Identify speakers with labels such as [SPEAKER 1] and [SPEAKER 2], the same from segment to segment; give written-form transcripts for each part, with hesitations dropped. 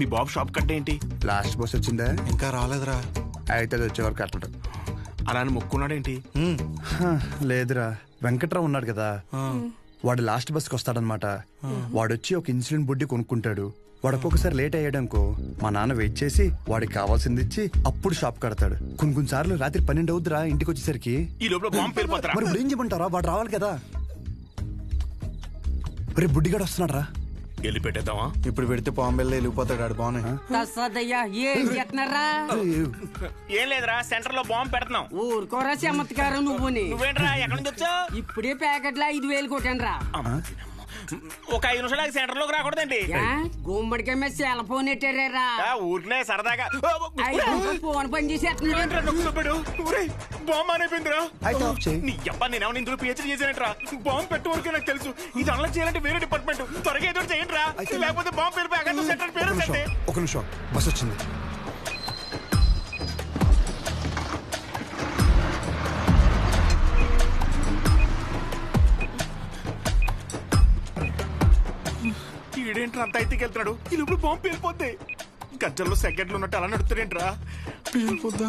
[SPEAKER 1] మీ బాబు shop కట్టే ఏంటి?
[SPEAKER 2] Last bus వచ్చిందా?
[SPEAKER 3] ఇంకా రాలేదురా.
[SPEAKER 2] అయితే అది వచ్చేవారు కట్టడు.
[SPEAKER 1] అలా అని మొక్కున్నాడేంటి?
[SPEAKER 2] లేదురా, వెంకట్రావు ఉన్నాడు కదా, వాడు లాస్ట్ బస్కి వస్తాడనమాట. వాడొచ్చి ఒక ఇన్సులిన్ బుడ్డి కొనుక్కుంటాడు. వాడు ఒక్కొక్కసారి లేట్ అయ్యాడనుకో మా నాన్న వెయిట్ చేసి వాడికి కావాల్సింది ఇచ్చి అప్పుడు షాప్ కడతాడు. కొన్ని సార్లు రాత్రి 12 అవుద్దిరా ఇంటికి వచ్చేసరికి.
[SPEAKER 1] ఈ లోపల బాంబు పేలిపోతారా?
[SPEAKER 2] మరి ఇప్పుడు ఏం చెప్పంటారా? వాడు రావాలి కదా. రేపు బుడ్డిగాడు వస్తున్నాడు రా.
[SPEAKER 1] వెళ్ళి పెట్టేద్దామా?
[SPEAKER 3] ఇప్పుడు పెడితే పాంబెల్లో వెళ్ళిపోతాడు. ఆడు బాగున్నాయి.
[SPEAKER 1] ఏం లేదురా, సెంటర్ లో బాంబు పెడుతున్నాం.
[SPEAKER 4] ఊరుకోరా చమత్కారం
[SPEAKER 1] నువ్వేంట్రా ఎక్కడి నుంచి వచ్చావు?
[SPEAKER 4] ఇప్పుడే ప్యాకెట్లా 5,000 కొట్టాను రా.
[SPEAKER 1] ఒక 5 నిమిషాలు సెంటర్ లోకి రాకూడదండి.
[SPEAKER 4] గుమ్మడికాయ మీద సెల్ ఫోన్ ఎట్టారా?
[SPEAKER 1] ఊరినే సరదాగా
[SPEAKER 4] ఫోన్ పని చేసేస్తున్నాడు.
[SPEAKER 1] బాంబు అయిపోయిందిరా.
[SPEAKER 2] అయితే ఆఫ్ చేయి.
[SPEAKER 1] నీ అబ్బా నేనేమో ఇందులో పిహెచ్డీ చేశానంటరా. బాంబు పెట్టే వరకే నాకు తెలుసు. ఇది అన్లాక్ చేయాలంటే వేరే డిపార్ట్మెంట్. త్వరగా ఏదో చేయండి రా, లేకపోతే బాంబు పేరు సెంటర్ పేరు.
[SPEAKER 2] ఒక నిమిషం, బస్ వచ్చింది.
[SPEAKER 1] ఈడేంట్రా అంత అయితే వెళ్తున్నాడు? ఈ లోపల బాంబు పేలిపోద్ది. గజ్జల్లో సెకండ్లు ఉన్నట్టు అలా నడుస్తాడేంట్రా?
[SPEAKER 3] పేలిపోద్దా?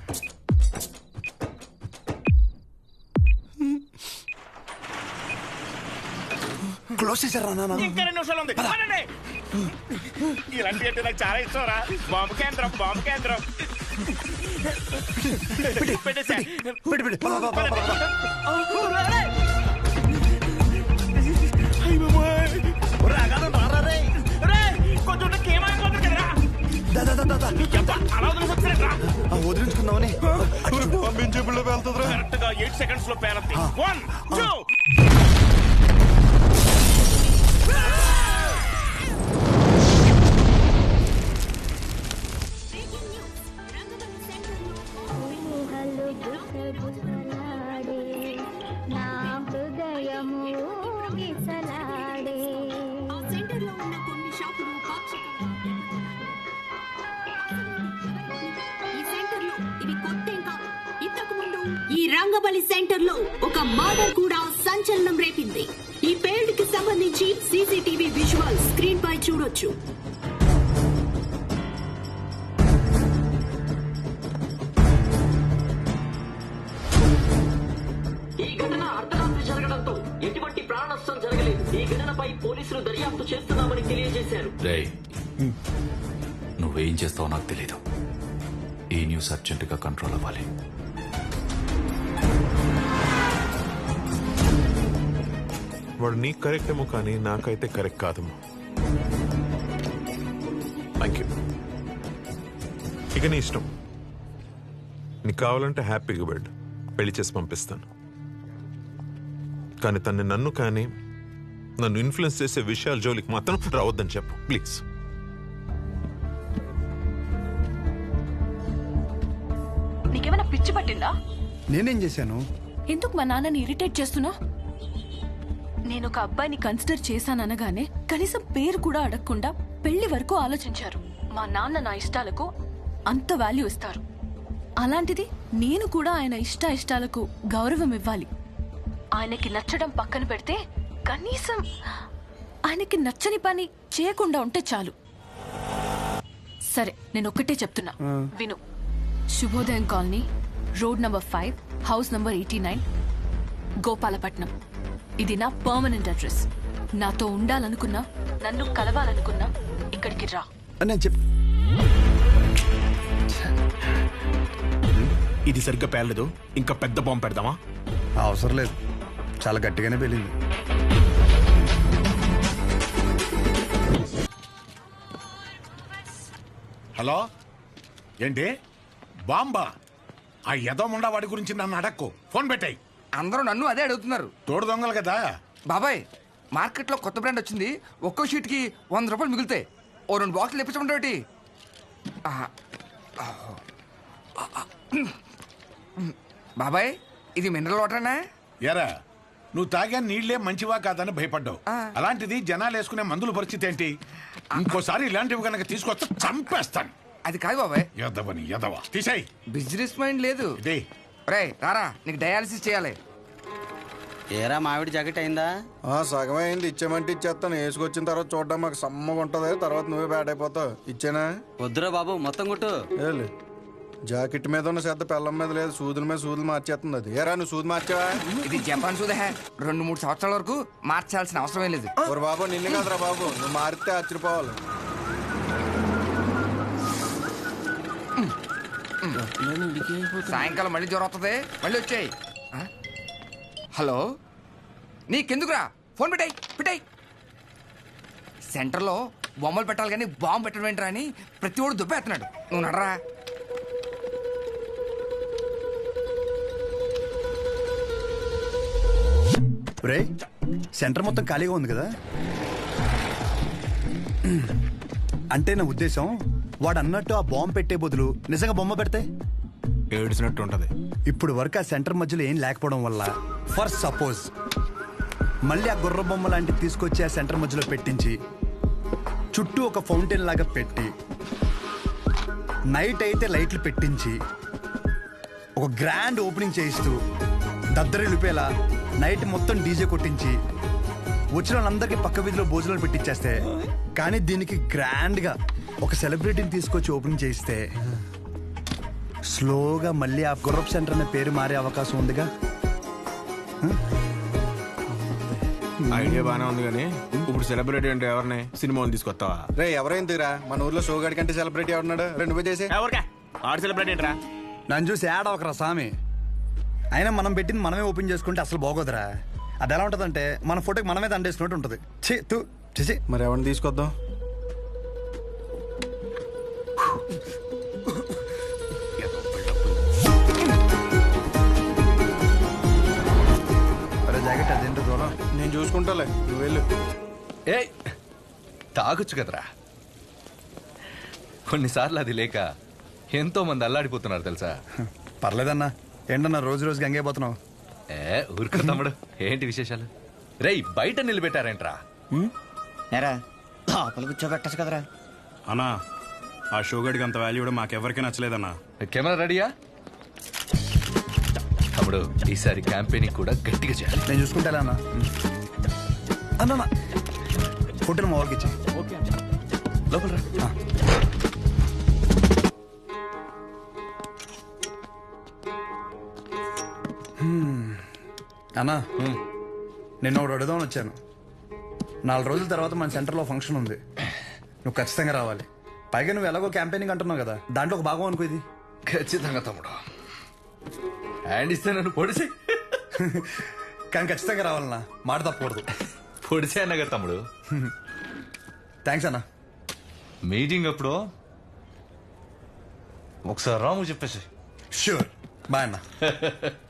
[SPEAKER 2] క్లోజ్ చేశారా నాన్న?
[SPEAKER 1] ఇంకా 2 నిమిషాలు ఉంది. ఇలాంటి అంటే నాకు చాలా ఇష్టం రా. బాంబు కేంద్రం, బాంబు కేంద్రం. పెట్టేసా.
[SPEAKER 2] వదిలించుకుందామని
[SPEAKER 3] పంపించేపుల్లో వెళ్తుందిరా.
[SPEAKER 1] కరెక్ట్ గా 8 seconds లో పేరద్ది. 1 2
[SPEAKER 5] ఈ రంగబలి సెంటర్ లో ఒక మర్డర్ కూడా సంచలనం రేపింది. ఈ పేల్డ్ కి సంబంధించి సీసీటీవీ విజువల్ స్క్రీన్ పై చూడొచ్చు.
[SPEAKER 6] ఈ ఘటన అర్ధరాత్రి జరగడంతో ఎటువంటి ప్రాణ నష్టం జరగలేదు. ఈ ఘటనపై పోలీసులు దర్యాప్తు చేస్తున్నామని తెలియజేశారు.
[SPEAKER 7] నువ్వేం చేస్తావో నాకు తెలీదు. ఈ న్యూస్ అర్జెంటుగా కంట్రోల్ అవ్వాలి.
[SPEAKER 8] వాడు నీకు కరెక్ట్ ఏమో కానీ నాకైతే కరెక్ట్ కాదమ్మా. Thank you. ఇక నీ ఇష్టం. నీకు కావాలంటే హ్యాపీగా వెళ్ళు, పెళ్లి చేసి పంపిస్తాను. కానీ తన్ని నన్ను ఇన్ఫ్లుయెన్స్ చేసే విషయాల జోలికి మాత్రం రావద్దని చెప్పు ప్లీజ్.
[SPEAKER 9] నీకేమైనా పిచ్చి పట్టిందా?
[SPEAKER 2] నేనేం చేశాను?
[SPEAKER 9] ఎందుకు మా నాన్నని ఇరిటేట్ చేస్తున్నా? నేను ఒక అబ్బాయిని కన్సిడర్ చేశాననగానే కనీసం పేరు కూడా అడగకుండా పెళ్లి వరకు ఆలోచించారు. మా నాన్న నా ఇష్టాలకు అంత వాల్యూ ఇస్తారు. అలాంటిది నేను కూడా ఆయన ఇష్టాలకు గౌరవం ఇవ్వాలి. ఆయనకి నచ్చడం పక్కన పెడితే కనీసం ఆయనకి నచ్చని పని చేయకుండా ఉంటే చాలు. సరే, నేను ఒక్కటే చెప్తున్నా, విను. Subhodayam colony, road number 5, house number 89, Gopalapatnam. ఇది నా పర్మనెంట్ అడ్రస్. నాతో ఉండాలనుకున్నా, నన్ను కలవాలనుకున్నా ఇక్కడికి రా.
[SPEAKER 1] ఇది సరిగ్గా పేర్లేదు, ఇంకా పెద్ద బాంబు పెడదామా?
[SPEAKER 2] అవసరం లేదు, చాలా గట్టిగానే పేలింది.
[SPEAKER 10] హలో, ఏంటి బాంబా? ఆ యదోముండా వాడి గురించి నన్ను అడక్కు, ఫోన్ పెట్టాయి.
[SPEAKER 11] అందరూ నన్ను అదే అడుగుతున్నారు.
[SPEAKER 10] తోడు దొంగలు కదా
[SPEAKER 11] బాబాయ్. మార్కెట్లో కొత్త బ్రాండ్ వచ్చింది. ఒక్కో షీట్కి 100 రూపాయలు మిగులుతాయి. ఓ 2 బాక్సులు ఇప్పించమంటే. బాబాయ్, ఇది మినరల్ వాటరేనా?
[SPEAKER 10] ఎరా, నువ్వు తాగా నీళ్లే మంచివా కాదని భయపడ్డావు. అలాంటిది జనాలు వేసుకునే మందుల పరిస్థితి ఏంటి? ఇంకోసారి ఇలాంటివి కనుక తీసుకొస్తే చంపేస్తాను.
[SPEAKER 11] అది కాదు బాబాయ్.
[SPEAKER 10] ఎదవని ఎదవా, తీసేయ్.
[SPEAKER 11] బిజినెస్ మైండ్ లేదు.
[SPEAKER 10] ఇదే
[SPEAKER 11] రే రారా, నీకు డయాలసిస్ చేయాలి.
[SPEAKER 12] ఏరా మామిడి జాకెట్ అయిందా?
[SPEAKER 3] సగమే అయింది. ఇచ్చేమంటే ఇచ్చేస్తాను. వేసుకొచ్చిన తర్వాత చూడడం మాకు సమ్మగా ఉంటది. తర్వాత నువ్వే బ్యాట్ అయిపోతావు. ఇచ్చేనా?
[SPEAKER 12] వద్దురా బాబు, మొత్తం కొట్టు.
[SPEAKER 3] ఏలే, జాకెట్ మీద ఉన్న శ్రద్ధ పెళ్ళం మీద లేదు. సూదుల మీద సూదులు మార్చేస్తుంది అది. ఏరా నువ్వు సూది మార్చావా?
[SPEAKER 11] ఇది జపాన్ సూదే. 2-3 సంవత్సరాల వరకు మార్చాల్సిన అవసరం లేదు.
[SPEAKER 3] ఓరు బాబు, నిన్ను కాదురా బాబు, నువ్వు మారితే ఆశ్చర్యపోవాలి.
[SPEAKER 11] సాయంకాలం మళ్ళీ జ్వరం వస్తుంది. మళ్ళీ వచ్చాయి. హలో, నీకెందుకురా ఫోన్ పెట్టాయి. సెంటర్లో బొమ్మలు పెట్టాలి కానీ బాంబు పెట్టడం ఏంట్రా అని ప్రతి ఒడు దుబ్బేస్తున్నాడు. నువ్వు నడరా.
[SPEAKER 2] రే, సెంటర్ మొత్తం ఖాళీగా ఉంది కదా. అంటే నా ఉద్దేశం, వాడు అన్నట్టు ఆ బాంబు పెట్టే బదులు నిజంగా బొమ్మ పెడితే
[SPEAKER 1] ఏడ్చినట్టు ఉంటది.
[SPEAKER 2] ఇప్పుడు వరకు ఆ సెంటర్ మధ్యలో ఏం లేకపోవడం వల్ల ఫర్ సపోజ్ మళ్ళీ ఆ గుర్ర బొమ్మ లాంటివి తీసుకొచ్చి ఆ సెంటర్ మధ్యలో పెట్టించి చుట్టూ ఒక ఫౌంటైన్ లాగా పెట్టి నైట్ అయితే లైట్లు పెట్టించి ఒక గ్రాండ్ ఓపెనింగ్ చేయిస్తూ దద్దరిల్లిపేలా నైట్ మొత్తం డీజే కొట్టించి వచ్చిన వాళ్ళందరికీ పక్క వీధిలో భోజనాలు పెట్టించేస్తే, కానీ దీనికి గ్రాండ్గా ఒక సెలబ్రిటీని తీసుకొచ్చి ఓపెనింగ్ చేయిస్తే స్లోగా మళ్ళీ ఆ గుర్రప్ సెంటర్ అనే పేరు మారే అవకాశం ఉందిగా.
[SPEAKER 1] ఐడియా బానే ఉంది కానీ ఇప్పుడు సెలబ్రిటీ అంటే ఎవరిని సినిమాలు తీసుకొస్తావా?
[SPEAKER 3] రే, ఎవరైందిరా మన ఊర్లో షోగాడి కంటే సెలబ్రిటీ ఎవరున్నాడు? నువ్వే చేసే.
[SPEAKER 1] ఎవరికా ఆడు సెలబ్రిటీ ఏంట్రా?
[SPEAKER 2] నన్ను చూసి యాడ్ అవకరా స్వామి. అయినా మనం పెట్టింది మనమే ఓపెన్ చేసుకుంటే అసలు బాగోదురా. అది ఎలా ఉంటుందంటే మన ఫోటోకి మనమే దండేసుకున్నట్టు ఉంటుంది. చేసి
[SPEAKER 3] మరి ఎవరిని తీసుకొద్దాం?
[SPEAKER 2] జాకెట్ అదేంటో దూరం
[SPEAKER 3] నేను చూసుకుంటాలే, నువ్వు వెళ్ళు.
[SPEAKER 7] ఏ తాగొచ్చు కదరా. కొన్నిసార్లు అది లేక ఎంతో మంది అల్లాడిపోతున్నారు తెలుసా.
[SPEAKER 2] పర్లేదన్నా. ఏంటన్నా రోజు రోజుకి గంగైపోతున్నావు?
[SPEAKER 7] ఊరుకో తమ్ముడు, ఏంటి విశేషాలు? రేయ్, బయట నిలబెట్టారేంట్రా?
[SPEAKER 12] లోపల కూర్చోబెట్టచ్చు కదరా.
[SPEAKER 1] అన్నా, ఆ షోగడికి అంత వాల్యూ కూడా మాకెవరికి నచ్చలేదన్నా.
[SPEAKER 7] కెమెరా రెడీయా? తమ్ముడు, ఈసారి క్యాంపెయినింగ్ కూడా గట్టిగా చేయాలి.
[SPEAKER 2] నేను చూసుకుంటా అన్న. అన్న ఫోటోలు మా వాళ్ళకి ఇచ్చి
[SPEAKER 7] లోపల రా.
[SPEAKER 2] అన్నా, నిన్న ఒకటి అడుగుదామని వచ్చాను. 4 రోజుల తర్వాత మన సెంటర్లో ఫంక్షన్ ఉంది. నువ్వు ఖచ్చితంగా రావాలి. పైగా నువ్వు ఎలాగో క్యాంపెయినింగ్ అంటున్నావు కదా, దాంట్లో ఒక భాగం అనుకో ఇది.
[SPEAKER 7] ఖచ్చితంగా తమ్ముడు. హ్యాండ్ ఇస్తే నన్ను పొడిసే.
[SPEAKER 2] కానీ ఖచ్చితంగా రావాలన్నా, మాట తప్పకూడదు.
[SPEAKER 7] పొడిసే అన్నగా తమ్ముడు.
[SPEAKER 2] థ్యాంక్స్ అన్నా.
[SPEAKER 7] మీటింగ్ అప్పుడు ఒకసారి రాము చెప్పేసి.
[SPEAKER 2] షూర్. బాయ్ అన్నా.